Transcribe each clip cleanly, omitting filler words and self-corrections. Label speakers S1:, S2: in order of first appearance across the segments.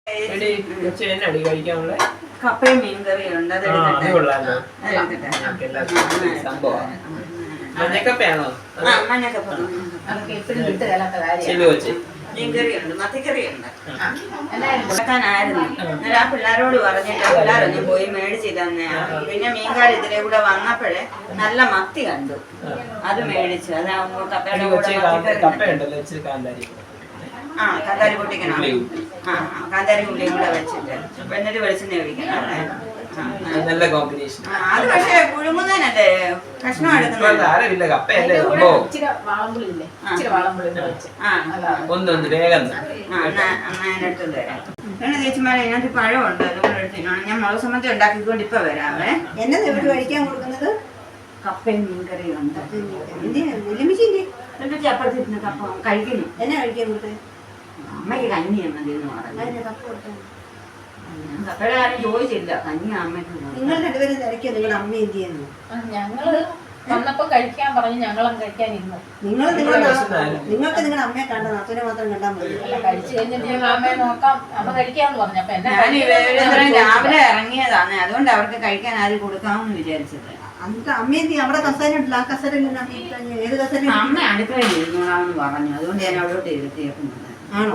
S1: കപ്പയും മീൻകറിയുണ്ട്.
S2: മഞ്ഞക്കപ്പയാണോ?
S1: മഞ്ഞക്കപ്പ. മീൻകറിയുണ്ട്, മത്തിക്കറിയുണ്ട്. ഉണ്ടാക്കാനായിരുന്നു. എന്നാൽ ആ പിള്ളേരോട് പറഞ്ഞിട്ട് പിള്ളേരൊന്നും പോയി മേടിച്ച് തന്നെയാ. പിന്നെ മീൻകാരി ഇതിലെ കൂടെ വന്നപ്പോഴേ നല്ല മത്തി കണ്ടു, അത് മേടിച്ചു. അതാവുമ്പോ കപ്പയുടെ കൂടെ കാന്താരി പൊട്ടിക്കണം. കാന്താരി ഉള്ളിയും കൂടെ വെച്ചിട്ട് എന്നിട്ട് വെളിച്ചെണ്ണ ഒഴിക്കണം.
S2: നല്ല കോമ്പിനേഷൻ.
S1: അത് പക്ഷേ പുഴുങ്ങുന്നതിനല്ലേ കഷ്ണം എടുക്കുന്നത്. എടുത്തോണ്ട് വരാം. ചേച്ചിമാരെ ഇതിനകത്ത് പഴമുണ്ട്, അതുകൊണ്ട് എടുത്തിട്ടാണ് ഞാൻ മുളക് സമ്മതി ഉണ്ടാക്കിക്കൊണ്ട് ഇപ്പൊ വരാവേ.
S3: എന്നത് ഇവിടെ കഴിക്കാൻ കൊടുക്കുന്നത്
S1: കപ്പയും മീൻകറിയുണ്ട്. അപ്പുറത്തിരുന്ന് കപ്പ കഴിക്കുന്നു.
S3: എന്നെ കഴിക്കാൻ കൊടുത്തത്
S1: അമ്മയ്ക്ക് കഞ്ഞി മതി എന്ന് പറഞ്ഞു. കപ്പയുടെ കാര്യം ചോദിച്ചില്ല, കഞ്ഞി അമ്മയ്ക്ക്.
S3: നിങ്ങൾ രണ്ടുപേരും തിരക്കിയോ? നിങ്ങളുടെ അമ്മ എന്ത് ചെയ്യുന്നു?
S4: ഞങ്ങള് വന്നപ്പോ കഴിക്കാൻ പറഞ്ഞു, ഞങ്ങളും കഴിക്കാനിരുന്നു.
S3: നിങ്ങൾക്ക് നിങ്ങളുടെ അമ്മയെ കണ്ട നാത്തൂനെ മാത്രം കണ്ടാൽ മതി.
S4: കഴിച്ചു കഴിഞ്ഞിട്ട് ഞങ്ങൾ അമ്മയെ നോക്കാം, അമ്മ കഴിക്കാന്ന് പറഞ്ഞു. അപ്പൊ എന്നെ
S1: രാവിലെ ഇറങ്ങിയതാണ്, അതുകൊണ്ട് അവർക്ക് കഴിക്കാൻ ആരും കൊടുക്കാമെന്ന് വിചാരിച്ചത്.
S3: അന്നത്തെ അമ്മ എന്ത് ചെയ്യും? അവിടെ കസേര ഉണ്ടല്ലോ, ആ കസേരയിൽ ഏത് കസേര?
S1: അമ്മ അടുക്കളയിൽ ഇരുന്നോളാമെന്ന് പറഞ്ഞു, അതുകൊണ്ട് ഞാൻ അവിടോട്ട് ഇരുത്തിയേക്കുന്നത്.
S3: ആണോ?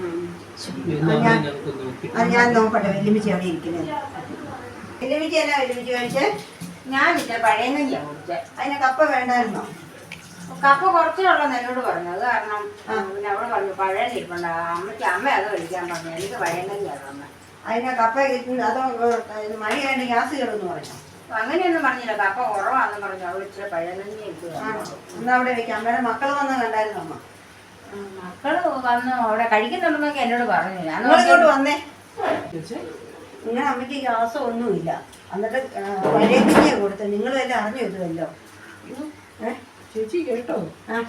S3: അത് ഞാൻ നോക്കട്ടെ. വെല്ലുമിച്ചി അവിടെ ഇരിക്കുന്നത്. വെല്ലുമിച്ചി അല്ല വെല്ലുമിച്ചി കഴിച്ച്
S1: ഞാൻ ഇല്ല പഴയ നെല്ലാണ് കുടിച്ചത്.
S3: അതിന് കപ്പ വേണ്ടായിരുന്നോ?
S1: കപ്പ കുറച്ചുള്ളതെന്ന് എന്നോട് പറഞ്ഞു. അത് കാരണം പിന്നെ അവിടെ പറഞ്ഞു പഴയ ഇരിപ്പുണ്ട്. അമ്മയ്ക്ക് അമ്മ അത് കഴിക്കാൻ പറഞ്ഞു, എനിക്ക് പഴയ നെല്ലാണ് അമ്മ.
S3: അതിന് കപ്പ അതോ മഴയായിട്ട് ഗ്യാസ് കയറുമെന്ന് പറഞ്ഞു.
S1: അങ്ങനെയൊന്നും പറഞ്ഞില്ല, കപ്പ കുറവാണെന്ന് പറഞ്ഞു. അവിടെ ഇച്ചിരി പഴയ നെല്ല് ഇരിക്കുകയാണ്.
S3: എന്നാ അവിടെ വെക്കാം. അമ്മയുടെ മക്കൾ വന്ന് കണ്ടായിരുന്നു അമ്മ?
S1: മക്കള് വന്ന് അവിടെ കഴിക്കുന്നുണ്ടെന്നൊക്കെ എന്നോട് പറഞ്ഞു. ഞാൻ
S3: ഇങ്ങോട്ട് വന്നേ. നിങ്ങളുടെ അമ്മയ്ക്ക് ഗ്യാസോ ഒന്നുമില്ല, എന്നിട്ട് പഴയ കഞ്ഞിയാണ് കൊടുത്തത്. നിങ്ങളും എല്ലാം അറിഞ്ഞു ഇതുമല്ലോ.
S2: ചേച്ചി കേട്ടോ?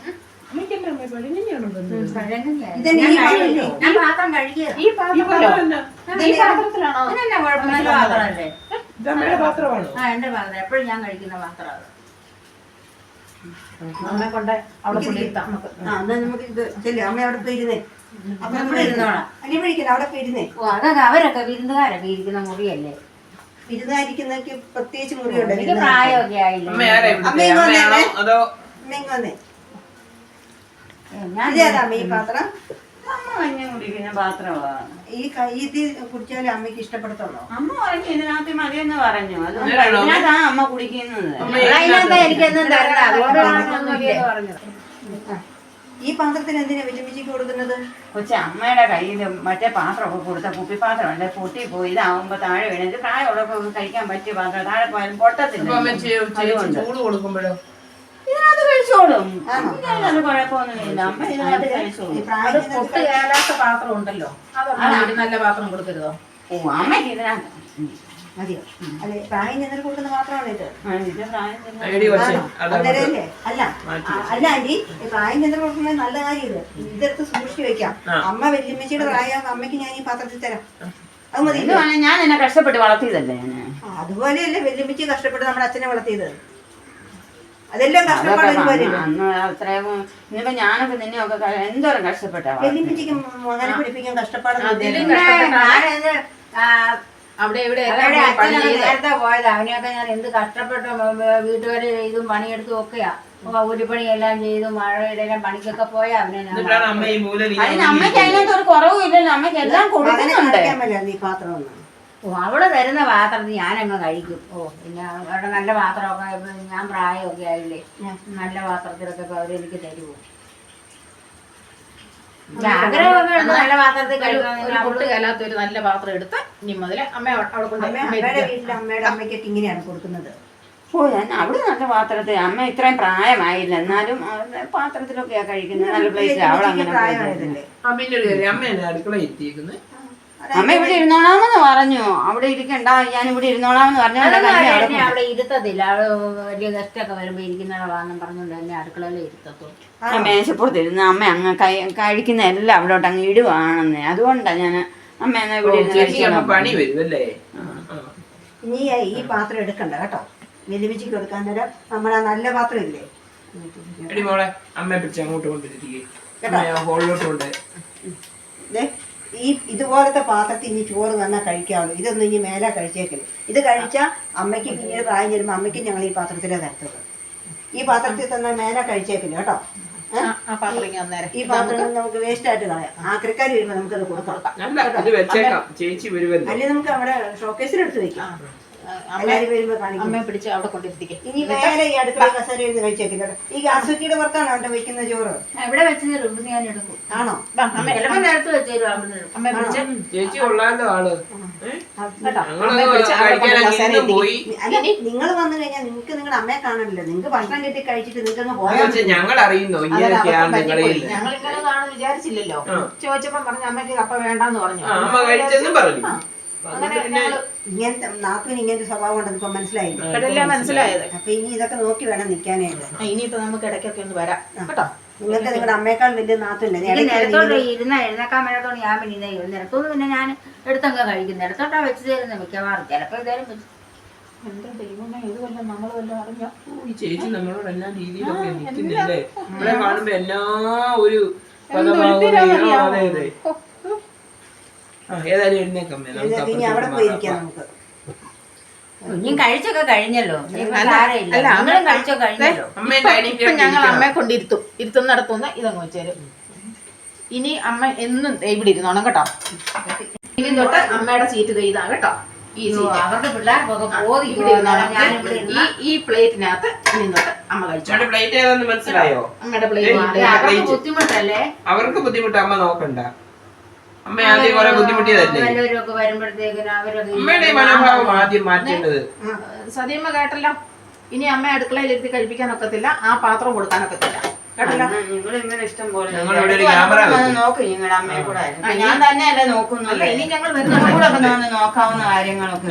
S1: ഞാൻ പാത്രം കഴിക്കുക.
S4: ഈ പാത്രത്തിലാണോ?
S1: പാത്രമല്ലേ?
S2: പാത്രമാണോ?
S1: എന്റെ പാത്രം എപ്പോഴും ഞാൻ കഴിക്കുന്ന പാത്രമാണ്.
S4: അമ്മയെ കൊണ്ട് അവിടെ കൊണ്ടിരുത്താം.
S3: നമുക്ക് ഇത് ചെല്ലു. അമ്മ അവിടെ പോയിരുന്നേ.
S1: അപ്പൊ ഇവിടെ ഇരുന്നോളാം.
S3: അല്ലെ വിളിക്കില്ല, അവിടെ പോയിരുന്നേ.
S1: ഓ അതൊക്കെ അവരൊക്കെ വിരുന്നുകാരൊക്കെ ഇരിക്കുന്ന മുറിയല്ലേ.
S3: വിരുന്നായിരിക്കുന്നൊക്കെ പ്രത്യേകിച്ച് മുറിയുണ്ട്.
S1: എനിക്ക് പ്രായമൊക്കെ ആയില്ല.
S3: അമ്മ ഈ പാത്രം
S1: അമ്മ കഞ്ഞി കുടിക്കുന്ന പാത്രമാണ്.
S3: ഈ ഇത് കുടിച്ചാലേ അമ്മയ്ക്ക് ഇഷ്ടപ്പെടത്തുള്ളൂ.
S1: അമ്മ പറഞ്ഞു ഇതിനകത്ത് മതിയെന്ന് പറഞ്ഞു. അതിനകത്താ അമ്മ കുടിക്കുന്നത്. അതിനകത്ത് എനിക്കൊന്നും തരണ്ട, അതുകൊണ്ടാണ് പറഞ്ഞത്.
S3: ഈ പാത്രത്തിന് എന്തിനാ വെല്ലുമിച്ചിക്ക് കൊടുക്കുന്നത്?
S1: കൊച്ചി അമ്മയുടെ കയ്യിൽ മറ്റേ പാത്രമൊക്കെ കൊടുത്ത കുപ്പിപ്പാത്രം അല്ലെ, പൊട്ടി പോയി. ഇതാവുമ്പോ താഴെ വീണത് പ്രായമുള്ളവർക്ക് കഴിക്കാൻ പറ്റിയ പാത്രം താഴെ പോയാലും പൊട്ടത്തില്ല.
S2: കൊടുക്കുമ്പോഴോ
S1: ഇതിനകത്ത് കഴിച്ചോളും, അത് കുഴപ്പമൊന്നുമില്ല. അമ്മ ഇതിനകത്ത് കഴിച്ചോളും.
S4: അത് പൊട്ട് കേടാത്ത പാത്രം ഉണ്ടല്ലോ, അതൊന്നും നല്ല പാത്രം കൊടുക്കരുതോ?
S1: ഓ അമ്മയ്ക്ക് ഇതിനകത്ത്
S3: മതിയോ? അല്ലെ പ്രായം ചെന്നിട്ട് കൊടുക്കുന്ന പാത്രമാണ് ഇത്.
S2: അല്ലേ?
S3: അല്ല അല്ല ആന്റി, പ്രായം ചെന്നിട്ട് കൊടുക്കുന്നത് നല്ല കാര്യം. ഇത് ഇതെടുത്ത് സൂക്ഷിച്ചു വെക്കാം. അമ്മ വെല്ലുമ്മച്ചിയുടെ പ്രായം അമ്മയ്ക്ക് ഞാൻ ഈ പാത്രത്തിൽ തരാം. അത് മതി.
S1: ഞാൻ എന്നെ കഷ്ടപ്പെട്ട് വളർത്തിയതല്ലേ ഞാൻ.
S3: അതുപോലെയല്ലേ വെല്ലുമ്മച്ചി കഷ്ടപ്പെട്ട് നമ്മുടെ അച്ഛനെ വളർത്തിയത്. അതെല്ലാം കഷ്ടപ്പാട്
S1: അന്ന് അത്രയും. ഇനിയിപ്പോ ഞാനൊക്കെ നിന്നെയൊക്കെ എന്തോരം കഷ്ടപ്പെട്ടാ.
S3: വെല്ലുമ്മച്ചിക്ക് മകനെ പഠിപ്പിക്കാൻ കഷ്ടപ്പാട്.
S4: അവിടെ ഇവിടെ
S1: നേരത്തെ പോയത് അവനെയൊക്കെ ഞാൻ എന്ത് കഷ്ടപ്പെട്ടു വീട്ടുകാര് ചെയ്തും പണിയെടുത്തും ഒക്കെയാ. കൂലിപ്പണിയെല്ലാം ചെയ്തു മഴയുടെ പണിക്കൊക്കെ പോയാ അവനെ. അമ്മയ്ക്ക് അതിനകത്ത് ഒരു കുറവും ഇല്ലല്ലോ, അമ്മയ്ക്ക് എല്ലാം കൊടുക്കുന്നുണ്ട്.
S3: ഈ പാത്രം
S1: ഓ അവള് തരുന്ന പാത്രത്തിൽ ഞാനങ്ങ് കഴിക്കും. ഓ പിന്നെ അവിടെ നല്ല പാത്രമൊക്കെ ഞാൻ പ്രായമൊക്കെ ആയില്ലേ, നല്ല പാത്രത്തിലൊക്കെ അവരെനിക്ക് തരുമോ? ആഗ്രഹമൊക്കെ നല്ല പാത്രത്തിൽ കഴിക്കാൻ.
S4: പൊട്ട് കേലാത്ത ഒരു നല്ല പാത്രം എടുത്ത് ഇനി മുതല് അമ്മ അവിടെ കൊണ്ട്
S3: അമ്മയുടെ വീട്ടിൽ അമ്മയുടെ അമ്മയ്ക്കൊക്കെ ഇങ്ങനെയാണ് കൊടുക്കുന്നത്.
S1: ഓ ഞാൻ അവിടെ നല്ല പാത്രത്തിൽ. അമ്മ ഇത്രയും പ്രായമായില്ല, എന്നാലും പാത്രത്തിലൊക്കെയാ കഴിക്കുന്നത്. നല്ല പ്ലേസ് അവളങ്ങനെ
S3: പ്രായമായതല്ലേ.
S2: അമ്മ അടുക്കള എത്തിയിരിക്കുന്നത്.
S1: അമ്മ ഇവിടെ ഇരുന്നോളാമെന്ന് പറഞ്ഞു. അവിടെ ഇരിക്കണ്ട, ഞാൻ ഇവിടെ ഇരുന്നോളാമെന്ന് പറഞ്ഞു. അവിടെ ഇരുത്തത്തില്ല, അവിടെ വലിയ ഗസ്റ്റൊക്കെ വരുമ്പോ ഇരിക്കുന്നതാണെന്നും പറഞ്ഞുകൊണ്ട് എന്നെ അടുക്കളയിൽ ഇരുത്തത്തുള്ളൂ. മേശപ്പുറത്ത് ഇരുന്ന് അമ്മ അങ്ങ് കഴിക്കുന്ന എല്ലാം അവിടോട്ട് അങ്ങ് ഇടുവാണെന്ന്. അതുകൊണ്ടാണ് ഞാൻ അമ്മ എന്നാ ഇവിടെ
S2: പണി വരുമല്ലേ.
S3: ഇനി ഈ പാത്രം എടുക്കണ്ട കേട്ടോ. വെല്ലുമിച്ചിക്ക് കൊടുക്കാൻ നേരം നമ്മളാ നല്ല പാത്രം ഇല്ലേ,
S2: മോളെ അമ്മയെ പിടിച്ച് അങ്ങോട്ട് കൊണ്ടിരിക്കേ. ഹോളിലോട്ട് കൊണ്ട്
S3: ഇതുപോലത്തെ പാത്രത്തിൽ ഇനി ചോറ് തന്നെ കഴിക്കാവുള്ളൂ. ഇതൊന്നും ഇനി മേലെ കഴിച്ചേക്കില്ല. ഇത് കഴിച്ചാൽ അമ്മയ്ക്ക് പിന്നീട് പ്രായം ചെല്ലുമ്പോൾ അമ്മയ്ക്ക് ഞങ്ങൾ ഈ പാത്രത്തിലേ തരത്തുള്ളൂ. ഈ പാത്രത്തിൽ തന്നെ മേലെ കഴിച്ചേക്കില്ല കേട്ടോ. ഈ പാത്രം നമുക്ക് വേസ്റ്റ് ആയിട്ട് കളയാം. ആക്രിക്കാർ വരുമ്പോൾ നമുക്കത് കൊടുക്കാം.
S2: ചേച്ചി വരുമല്ലോ.
S3: അല്ലെങ്കിൽ നമുക്ക് അവിടെ ഷോക്കേസിലെടുത്ത് വെക്കാം. എല്ലാവരും വരുമ്പോൾ കാണിക്കും.
S4: അവിടെ കൊണ്ടിരുത്തിക്കും.
S3: ഇനി വേറെ ഈ അടുക്കള കസേര ഇരുന്ന് കഴിച്ചേക്കില്ല. ഈ ഗ്യാസ് കുറ്റിയുടെ പുറത്താണോ അവിടെ വെക്കുന്ന ചോറ്?
S1: എവിടെ വെച്ച് ഞാൻ എടുക്കും.
S3: ആണോ?
S1: ചിലപ്പോൾ നേരത്തെ വെച്ചേരും അവിടെ.
S4: അമ്മ പിടിച്ച്
S2: ചേച്ചി കൊള്ളാലോ ആള്. പോയി
S3: നിങ്ങൾ വന്നു കഴിഞ്ഞാൽ നിങ്ങൾക്ക് നിങ്ങളുടെ അമ്മയെ കാണണല്ലോ. നിങ്ങൾക്ക് ഭക്ഷണം കിട്ടി കഴിച്ചിട്ട് നിങ്ങൾക്ക് പോയാൽ
S2: ഞങ്ങൾ അറിയുന്നോ ഇങ്ങനെയൊക്കെയാണ് നിങ്ങളിൽ.
S4: ഞങ്ങളിങ്ങനെ കാണും വിചാരിച്ചില്ലല്ലോ. ചോദിച്ചപ്പം പറഞ്ഞു അമ്മയ്ക്ക് കപ്പ വേണ്ടെന്ന് പറഞ്ഞു.
S2: അമ്മ കഴിച്ചെന്നും പറഞ്ഞു.
S3: ഇങ്ങനത്തെ നാപ്പിന് ഇങ്ങനത്തെ സ്വഭാവം ഉണ്ടെന്ന് ഇപ്പൊ മനസ്സിലായില്ലേ?
S4: മനസ്സിലായത്.
S3: അപ്പൊ ഇനി ഇതൊക്കെ നോക്കി വേണം നിൽക്കാനായിട്ട്.
S4: ഇനിയിപ്പോ നമുക്ക് ഇടയ്ക്കൊക്കെ ഒന്ന് വരാം കേട്ടോ.
S3: നിങ്ങൾക്ക് നിങ്ങളുടെ അമ്മയേക്കാൾ വലിയ നാത്തില്ല.
S1: നിരത്തോട്ട് എഴുന്നേക്കാൻ മേലത്തോണ്ട് ഞാൻ പിന്നെ നിരത്തോന്ന് പിന്നെ ഞാൻ എടുത്തങ്ങ് കഴിക്കും. നിരത്തോട്ടാ വെച്ച് തരുന്നത് മിക്കവാറും. ചിലപ്പോ ഇതായാലും
S4: എന്റെ ദൈവമേ, ഇത് വല്ല നമ്മൾ വല്ല അറിഞ്ഞോ?
S2: ഈ ചേച്ചി നമ്മളോട് എല്ലാ രീതിയിലൊക്കെ നിൽക്കുന്നില്ലേ? നമ്മളെ കാണുമ്പോ എല്ലാ ഒരു ഏതായാലും എഴുന്നേക്കാം.
S3: ഇനി അവിടെ പോയിരിക്കാം നമുക്ക്.
S1: ഇനിയും കഴിച്ചൊക്കെ കഴിഞ്ഞല്ലോ. കഴിച്ചോ കഴിഞ്ഞല്ലോ.
S4: ഇപ്പൊ ഞങ്ങൾ അമ്മയെ കൊണ്ടിരുത്തും. ഇരുത്തുന്നിടത്തുനിന്ന് ഇതങ്ങ് വെച്ചേരും. ഇനി അമ്മ എന്നും ഇവിടെ ഇരുന്നോണം കേട്ടോ. ഇനി തൊട്ട് അമ്മയുടെ സീറ്റ് ഇതാ കേട്ടോ. ഈ സീറ്റ്
S1: അവരുടെ പിള്ളേർക്കൊക്കെ പോയി
S4: ഇവിടെ ഇരുന്നോണം. ഈ പ്ലേറ്റിനകത്ത് ഇനി തൊട്ട് അമ്മ കഴിച്ചു.
S2: പ്ലേറ്റ് ഏതാന്ന് മനസ്സിലായോ?
S4: അമ്മയുടെ പ്ലേറ്റ്
S1: ബുദ്ധിമുട്ടല്ലേ?
S2: അവർക്ക് ബുദ്ധിമുട്ട് അമ്മ നോക്കണ്ട. അമ്മ ആദ്യം കുറെ ബുദ്ധിമുട്ടിയതല്ലേ? അമ്മയുടെ മനോഭാവം ആദ്യം മാറ്റേണ്ടത്.
S4: സതിയമ്മ കേട്ടല്ലോ. ഇനി അമ്മ അടുക്കളയിൽ ഇരുത്തി കഴിപ്പിക്കാൻ ഒക്കത്തില്ല. ആ പാത്രം കൊടുക്കാനൊക്കത്തില്ല കേട്ടല്ലോ.
S1: ഞാൻ തന്നെയല്ലേ നോക്കുന്നില്ല.
S4: ഇനി ഞങ്ങൾ വരുന്ന
S1: നോക്കാവുന്ന കാര്യങ്ങളൊക്കെ.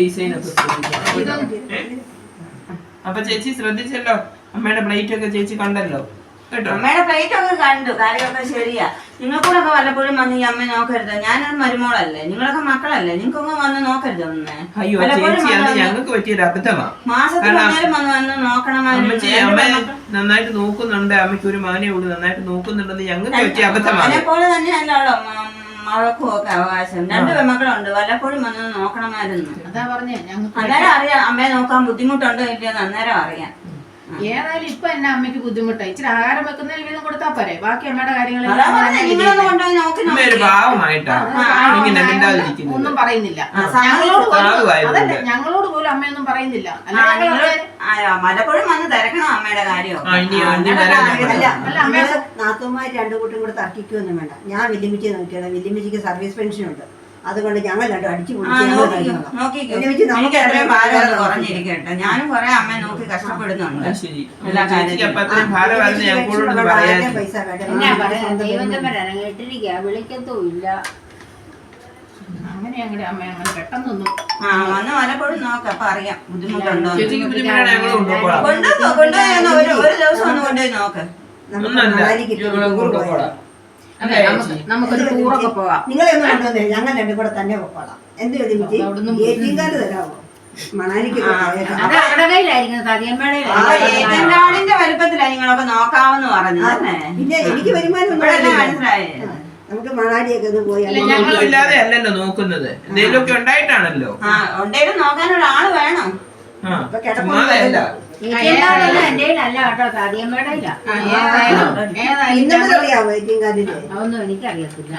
S2: അപ്പൊ ചേച്ചി ശ്രദ്ധിച്ചല്ലോ. അമ്മയുടെ പ്ലേറ്റ് ഒക്കെ ചേച്ചി കണ്ടല്ലോ കേട്ടോ.
S1: അമ്മയുടെ പ്ലേറ്റ് ഒക്കെ കണ്ടു. കാര്യമൊക്കെ ശരിയാ. നിങ്ങൾക്കൂടൊക്കെ വല്ലപ്പോഴും വന്ന് ഈ അമ്മ നോക്കരുത്. ഞാനൊരു മരുമോളല്ലേ, നിങ്ങളൊക്കെ മക്കളല്ലേ, നിങ്ങൾക്കൊന്നും വന്ന് നോക്കരുത്. ഒന്ന്
S2: അയ്യോ ചേച്ചി, അത് ഞങ്ങൾക്ക് പറ്റിയൊരു അബദ്ധമാണ്.
S1: മാസത്തിൽ വന്ന് നോക്കണമായിരുന്നു.
S2: അമ്മ നന്നായിട്ട് നോക്കുന്നുണ്ട്. അമ്മയ്ക്ക് ഒരു മാനേ ഉള്ളൂ. നന്നായിട്ട് നോക്കുന്നുണ്ടെന്ന് ഞങ്ങൾക്ക് പറ്റിയ അബദ്ധമാണ്.
S1: അതേപോലെ തന്നെയല്ലോ മഴക്കും ഒക്കെ അവകാശം. 2 പെൺമക്കളുണ്ട്. വല്ലപ്പോഴും വന്ന് നോക്കണമായിരുന്നു.
S4: അതാ പറഞ്ഞേ.
S1: അന്നേരം അറിയാം അമ്മയെ നോക്കാൻ ബുദ്ധിമുട്ടുണ്ടോ ഇല്ലയോ അന്നേരം അറിയാം.
S4: ഏതായാലും ഇപ്പൊ എന്നെ അമ്മയ്ക്ക് ബുദ്ധിമുട്ടായി. ഇച്ചിരി ആഹാരം വെക്കുന്നതിൽ വീതം കൊടുത്താ പോരെ. ബാക്കി അമ്മയുടെ കാര്യങ്ങൾ ഒന്നും പറയുന്നില്ല. ഞങ്ങളോട് പോലും അമ്മയൊന്നും പറയുന്നില്ല.
S1: മലപ്പുഴം വന്ന് തിരക്കണം അമ്മയുടെ കാര്യം.
S3: നാത്തുമാര് 2 കൂട്ടും കൂടെ തർക്കിക്കൊന്നും വേണ്ട. ഞാൻ വല്യമ്മച്ചിയെ നോക്കിയാണ്. വല്യമ്മച്ചിക്ക് സർവീസ് പെൻഷൻ ഉണ്ട്. അതുകൊണ്ട് ഞങ്ങൾ രണ്ടും അടിച്ചു
S1: കുറഞ്ഞിരിക്കട്ടെ. ഞാനും കുറെ അമ്മയെ നോക്കി കഷ്ടപ്പെടുന്നുണ്ട്. ഇട്ടിരിക്കുക വിളിക്കത്തും ഇല്ല.
S4: അങ്ങനെ ഞങ്ങളുടെ അമ്മ അങ്ങനെ പെട്ടെന്നൊന്നും
S1: വന്ന് മലപ്പോഴും നോക്ക. അപ്പൊ അറിയാം ബുദ്ധിമുട്ടുണ്ടോ. ഒരു ദിവസം ഒന്ന് കൊണ്ടുപോയി നോക്ക്.
S4: നമുക്കൊരു ടൂറൊക്കെ പോകാം.
S3: നിങ്ങളെ ഒന്നും കൊണ്ടുവന്നേ. ഞങ്ങൾ 2 കൂടെ തന്നെ പോകാം. എന്ത് ഏറ്റിങ്കാർഡ് തരാമോ? മണാലിക്ക്
S1: ിന്റെ വലുപ്പത്തിലാ നിങ്ങളൊക്കെ നോക്കാമെന്ന് പറഞ്ഞു.
S3: പിന്നെ എനിക്ക് വരുമാനം
S1: മനസ്സിലായി.
S3: നമുക്ക് മണാലിയൊക്കെ ഒന്ന് പോയി.
S2: ഇല്ലാതെ അല്ലല്ലോ നോക്കുന്നത്. എന്തെങ്കിലുമൊക്കെ ഉണ്ടായിട്ടാണല്ലോ.
S1: ഉണ്ടെങ്കിലും നോക്കാൻ ഒരാള് വേണം.
S3: അതൊന്നും എനിക്കറിയത്തില്ല.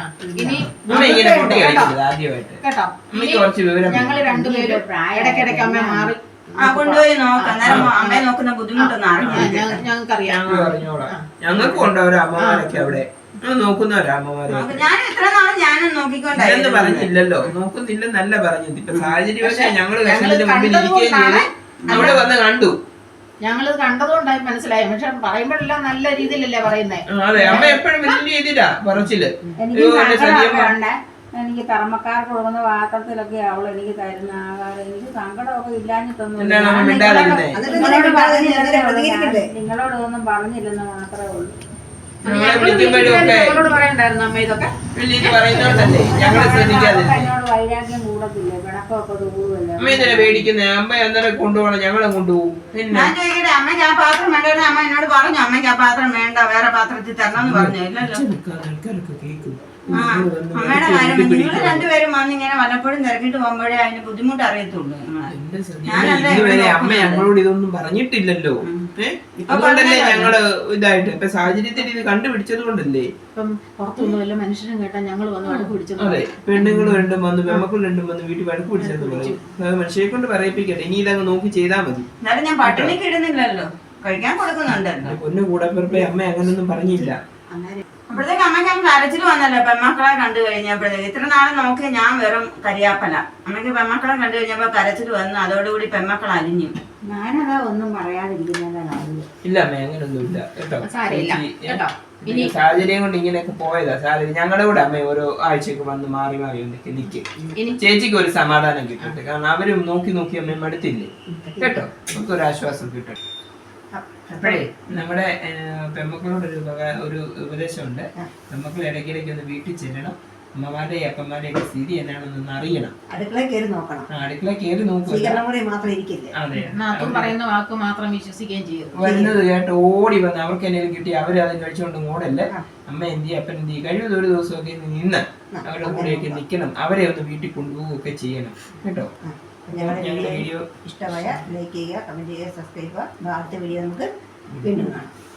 S4: കേട്ടോ, ഞങ്ങള് 2 പേരും ഇടയ്ക്കിടയ്ക്ക് അമ്മ മാറി
S1: കൊണ്ടുപോയി നോക്കാം. അമ്മയെ നോക്കുന്ന ബുദ്ധിമുട്ടൊന്നും അറിഞ്ഞില്ല.
S4: ഞങ്ങൾക്കറിയാം.
S2: ഞങ്ങൾക്ക് കൊണ്ടവരാ അമ്മമാരൊക്കെ അവിടെ നോക്കുന്നവരാ അമ്മമാര്.
S1: ഞാൻ എത്ര നാളും ഞാനും നോക്കിക്കൊണ്ടെന്ന്
S2: പറഞ്ഞില്ലല്ലോ. നോക്കുന്നില്ലെന്നല്ല പറഞ്ഞത്. ഇപ്പൊ സാഹചര്യവശാൽ ഞങ്ങള് വിഷമത്തിന്റെ മുമ്പിൽ ഇരിക്കുകയും ചെയ്ത് അവിടെ വന്ന് കണ്ടു.
S4: ഞങ്ങളിത് കണ്ടതുകൊണ്ടായി മനസ്സിലായി. പക്ഷെ പറയുമ്പോഴെല്ലാം നല്ല രീതിയിലല്ലേ പറയുന്നേ.
S2: അതെ, അമ്മ എപ്പോഴും വലിയ രീതിയിലാ പറച്ചില്.
S1: എനിക്ക് കർമ്മക്കാർക്ക് കൊടുക്കുന്ന പാത്രത്തിലൊക്കെ അവൾ എനിക്ക് തരുന്ന ആഹാരം എനിക്ക് സങ്കടമൊക്കെ ഇല്ലാഞ്ഞിട്ടൊന്നും നിങ്ങളോടൊന്നും പറഞ്ഞില്ലെന്ന് മാത്രമേ ഉള്ളൂ.
S4: എന്നോട് പറയണ്ടായിരുന്നു അമ്മ ഇതൊക്കെ.
S1: എന്നോട് വൈരാഗ്യം കൂടത്തില്ലേ, പിണക്കമൊക്കെ കൂടുമല്ലോ.
S2: പേടിക്കുന്നേ അമ്മ അന്നേരം കൊണ്ടുപോകണം. ഞങ്ങളെ കൊണ്ടുപോകും.
S1: ഞാൻ ചോദിക്കട്ടെ, അമ്മയ്ക്ക് ആ പാത്രം വേണ്ട? അമ്മ എന്നോട് പറഞ്ഞു അമ്മയ്ക്ക് ആ പാത്രം വേണ്ട, വേറെ പാത്രത്തിൽ തരണം എന്ന് പറഞ്ഞു. ഇല്ലല്ലോ. അമ്മയുടെ കാര്യം നിങ്ങൾ രണ്ടുപേരും വന്ന് ഇങ്ങനെ വല്ലപ്പോഴും തിരക്കിട്ട് പോകുമ്പോഴേ അതിന് ബുദ്ധിമുട്ട് അറിയത്തുള്ളൂ.
S2: ഇതുവരെ അമ്മ ഞങ്ങളോട് ഇതൊന്നും പറഞ്ഞിട്ടില്ലല്ലോ. അതുകൊണ്ടല്ലേ ഞങ്ങള് ഇതായിട്ട് ഇപ്പൊ സാഹചര്യത്തിൽ ഇത് കണ്ടുപിടിച്ചത് കൊണ്ടല്ലേ.
S4: ഇപ്പം പുറത്തൊന്നും വല്ല മനുഷ്യനും കേട്ടാ ഞങ്ങൾ വന്ന് വഴക്ക് പിടിച്ചത്.
S2: അതെ, പെണ്ണുങ്ങൾ രണ്ടും വന്ന് പെമ്മക്കൾ രണ്ടും വന്ന് വീട്ടിൽ വഴക്ക് പിടിച്ചെന്ന് പറയും. മനുഷ്യരെ കൊണ്ട് പറയിപ്പിക്കട്ടെ, ഇനി ഇതങ്ങ് നോക്കി ചെയ്താൽ മതി.
S1: എന്നാലും ഞാൻ പട്ടിണിക്ക് ഇടുന്നില്ലല്ലോ, കഴിക്കാൻ കൊടുക്കുന്നുണ്ടല്ലോ.
S2: പൊന്നു കൂടപ്പിറപ്പെ അമ്മ അങ്ങനൊന്നും പറഞ്ഞില്ല.
S1: അപ്പോഴത്തേക്ക് അമ്മയ്ക്ക് അങ്ങ് കരച്ചിൽ വന്നല്ലോ പെമ്മക്കളെ കണ്ടു കഴിഞ്ഞപ്പോഴത്തേക്ക്. ഇത്ര നാളും നോക്കി ഞാൻ വെറും കരിയാപ്പല. അമ്മയ്ക്ക് പെമ്മക്കളെ കണ്ടു കഴിഞ്ഞപ്പോ കരച്ചിൽ വന്നു, അതോടുകൂടി പെമ്മക്കൾ അലിഞ്ഞു. ഞാനതാ ഒന്നും പറയാതിരിക്കുന്നതാണ്.
S2: ഇല്ല അമ്മ അങ്ങനൊന്നും ഇല്ല കേട്ടോ.
S4: സാരമില്ല കേട്ടോ.
S2: സാഹചര്യം കൊണ്ട് ഇങ്ങനെയൊക്കെ പോയതാ. സാഹചര്യം ഞങ്ങളുടെ കൂടെ അമ്മ ഓരോ ആഴ്ചക്ക് വന്ന് മാറി മാറി നിൽക്കും. ചേച്ചിക്ക് ഒരു സമാധാനം കിട്ടട്ടെ, കാരണം അവരും നോക്കി നോക്കി അമ്മ മടുത്തില്ലേ കേട്ടോ. നമുക്ക് ഒരു ആശ്വാസം കിട്ടട്ടെ. അപ്പോഴേ നമ്മുടെ പെമ്മക്കളോട് ഒരു ഉപദേശമുണ്ട്. പെമ്മക്കൾ ഇടയ്ക്കിടയ്ക്ക് ഒന്ന് വീട്ടിൽ ചെല്ലണം, അമ്മമാരുടെയും അപ്പന്മാരുടെയും ഒക്കെ സ്ഥിതി എന്നാണെന്നൊന്ന് അറിയണം.
S3: അടുക്കളയിൽ കയറി നോക്കണം.
S2: അടുക്കളയിൽ കയറി നോക്കുക.
S3: അതെ,
S4: പറയുന്ന വാക്ക് മാത്രം വിശ്വസിക്കുകയും ചെയ്യും.
S2: വരുന്നത് കേട്ട് ഓടി വന്ന് അവർക്ക് എന്തെങ്കിലും കിട്ടി അവര് അത് കഴിച്ചുകൊണ്ട് ഓടല്ലേ. അമ്മ എന്ത് ചെയ്യും അപ്പൻ എന്ത് ചെയ്യും, കഴിവത് ഒരു ദിവസമൊക്കെ നിന്ന് അവരുടെ കൂടെയൊക്കെ നിൽക്കണം. അവരെ ഒന്ന് വീട്ടിൽ കൊണ്ടുപോവുകയൊക്കെ ചെയ്യണം കേട്ടോ.
S3: ഞങ്ങളുടെ വീഡിയോ ഇഷ്ടമായ ലൈക്ക് ചെയ്യുക, കമന്റ് ചെയ്യുക, സബ്സ്ക്രൈബ് ചെയ്യുക. അടുത്ത വീഡിയോ നമുക്ക് വീണ്ടും കാണാം.